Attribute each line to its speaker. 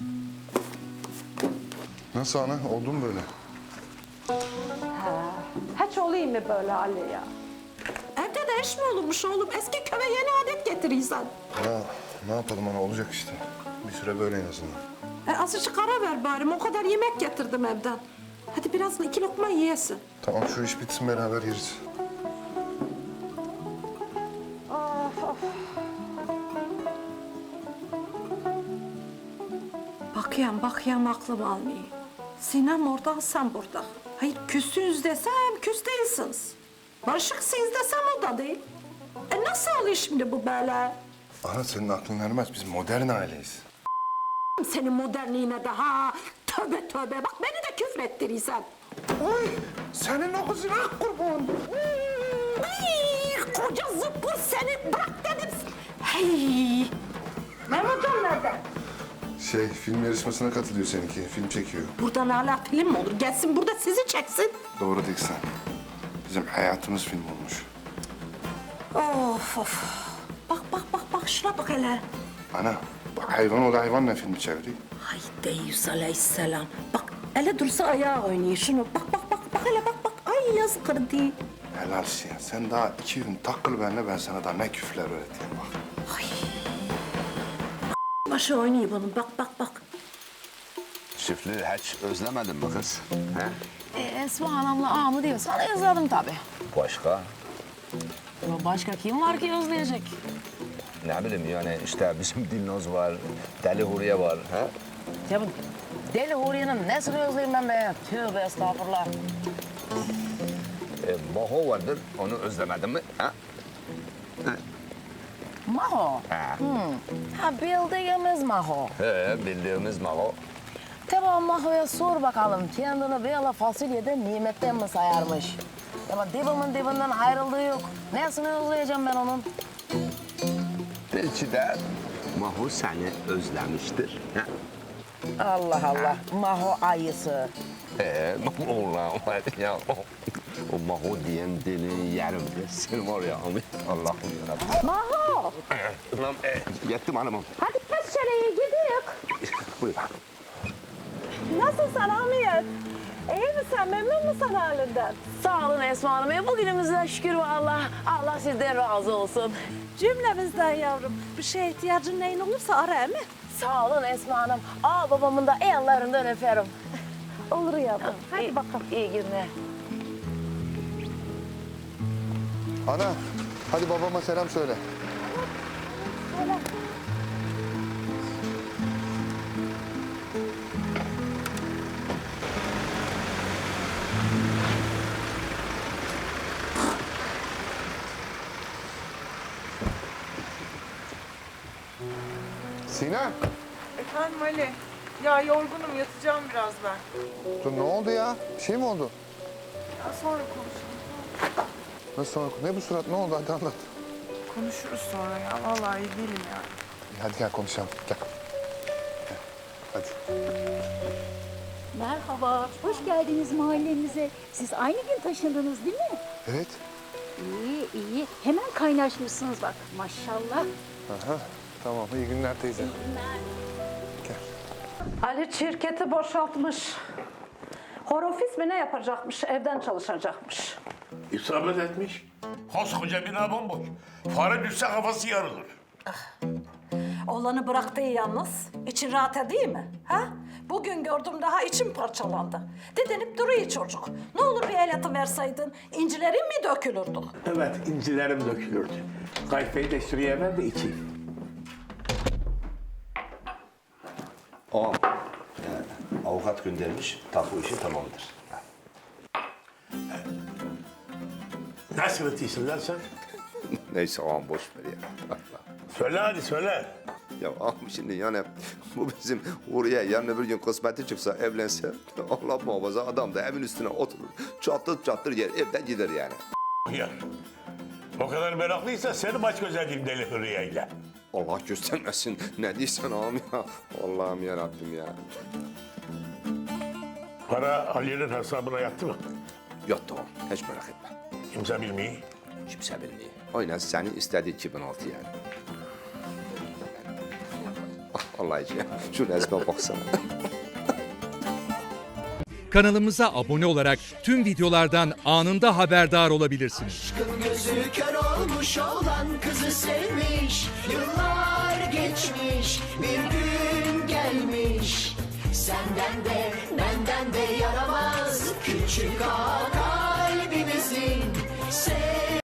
Speaker 1: Nasıl ana? Oldu mu böyle?
Speaker 2: Hiç olayım mı böyle Ali ya? Evde de iş mi olurmuş oğlum? Eski köye yeni adet getirirsen.
Speaker 1: Ya ne yapalım ana? Olacak işte. Bir süre böyle en azından.
Speaker 2: Azıcık ara ver bari. O kadar yemek getirdim evden. Hadi biraz 2 lokma yiyesin.
Speaker 1: Tamam şu iş bitsin beraber yeriz.
Speaker 2: Bakayım aklım almıyor. Sinem orada, sen burada. Hayır küssünüz desem küs değilsiniz. Barışıksınız desem o da değil. Nasıl oluyor şimdi bu böyle?
Speaker 1: Ana senin aklın ermez. Biz modern aileyiz.
Speaker 2: Senin modernliğine de ha. Tövbe tövbe. Bak beni de küfrettirirsen.
Speaker 1: Oy! Senin o kızına kurban.
Speaker 2: Ay, koca zıppır seni. Bırak dedim. Hey. Mehmetcan nerede?
Speaker 1: Film yarışmasına katılıyor seninki. Film çekiyor.
Speaker 2: Buradan hala film mi olur? Gelsin burada sizi çeksin.
Speaker 1: Doğru değil sen. Bizim hayatımız film olmuş.
Speaker 2: Of of. Bak şuna bak hele.
Speaker 1: Ana, bu hayvan o da hayvanla filmi çeviriyor.
Speaker 2: Haydi Yusuf Aleyhisselam. Bak ele dursa ayağı oynuyor şunu. Bak hele bak. Ay yazık kırdı.
Speaker 1: Helalsin ya. Sen daha 2 gün takıl benimle, ben sana daha ne küfürler öğreteyim bak.
Speaker 2: Ay. Başı oynuyor bunun. Bak.
Speaker 3: Çiftliği hiç özlemedin mi kız? He?
Speaker 4: Esma Hanım'la ağamı diyor. Sana yazardım tabii.
Speaker 3: Başka?
Speaker 4: Ya başka kim var ki özleyecek?
Speaker 3: Ne bileyim yani işte bizim Dilnoz var, Deli Huriye var. He?
Speaker 4: Ya bu Deli Huriye'nin nesini özleyeyim ben be? Tövbe estağfurullah.
Speaker 3: Maho vardır, onu özlemedin mi? Ha?
Speaker 4: Maho.
Speaker 3: Ha.
Speaker 4: Ha bildiğimiz Maho.
Speaker 3: Bildiğimiz Maho.
Speaker 4: Tamam Maho'ya sor bakalım kendini böyle fasulyede nimetten mi sayarmış? Ama dibimin dibinden ayrıldığı yok. Nesini özleyeceğim ben onun?
Speaker 3: Belki de Maho seni özlemiştir. Ha?
Speaker 4: Allah. Maho ayısı.
Speaker 3: Ulan var ya o Maho diyen deli yerim de sen var ya Allah'ım yarabbim.
Speaker 2: Maho.
Speaker 3: Ulan yettim hanımım.
Speaker 2: Hadi peşereye gidiyoruz.
Speaker 3: Buyur.
Speaker 2: Nasılsın Hamiyet? İyi misin? Memnun musun halinden?
Speaker 4: Sağ olun Esma Hanım. Bugünümüze şükür vallahi. Allah sizden razı olsun.
Speaker 2: Cümlemizden yavrum. Bir şeye ihtiyacın neyin olursa ara mi?
Speaker 4: Sağ olun Esma Hanım. Babamın da ellerinden öperim.
Speaker 2: Olur yavrum. Hadi bakalım.
Speaker 4: İyi günler.
Speaker 1: Ana, hadi babama selam söyle. Sinem,
Speaker 5: Efendim Ali. Ya yorgunum, yatacağım biraz ben.
Speaker 1: dur ne oldu ya? Bir şey mi oldu?
Speaker 5: Ya sonra konuşuruz.
Speaker 1: Nasıl sonra? Ne bu surat? Ne oldu? Hadi anlat.
Speaker 5: Konuşuruz sonra ya. Vallahi iyi değilim ya.
Speaker 1: Hadi gel konuşalım. Gel. Hadi.
Speaker 6: Merhaba, hoş geldiniz mahallemize. Siz aynı gün taşındınız değil mi?
Speaker 1: Evet.
Speaker 6: İyi. Hemen kaynaşmışsınız bak, maşallah.
Speaker 1: Aha. Tamam. İyi günler teyze.
Speaker 2: Ali şirketi boşaltmış. Horofis mi ne yapacakmış? Evden çalışacakmış.
Speaker 7: İsabet etmiş. Koskoca bina bomboş. Fare düşse kafası yarılır.
Speaker 2: Oğlanı bıraktı yalnız. İçin rahat değil mi? Ha? Bugün gördüm daha içim parçalandı. Didenip duruyor çocuk. Ne olur bir el atıverseydin, incilerin mi dökülürdü?
Speaker 7: Evet, incilerim dökülürdü. Kayfayı da şuraya ver de içeyim.
Speaker 3: Ağam, avukat göndermiş, tapu işi tamamdır.
Speaker 7: Nasıl ötüyorsun lan sen?
Speaker 3: Neyse ağam boş ver ya.
Speaker 7: Söyle hadi söyle.
Speaker 3: Ya ağam şimdi yani bu bizim oraya yarın öbür gün kısmeti çıksa evlense Allah muhafaza adam da evin üstüne oturur. Çattır yer evden gider yani.
Speaker 7: Ya. O kadar meraklıysa seni baş göz edeyim Deli Hürriye'yle.
Speaker 3: Allah göstermesin. Ne diyorsun ağam ya? Allah'ım yarabbim ya.
Speaker 7: Para Ali'nin hesabına yattı mı?
Speaker 3: Yattı ağam. Hiç merak etme.
Speaker 7: Kimse bilmiyor.
Speaker 3: Kimse bilmiyor. Aynen seni istediği 2006 yani. Vallahi ya. Şu resme baksana.
Speaker 8: Kanalımıza abone olarak tüm videolardan anında haberdar olabilirsiniz.
Speaker 9: Gözü kör olmuş olan kızı sevmiş. Yıllar geçmiş, bir gün gelmiş. Senden de benden de yaramaz küçük ağa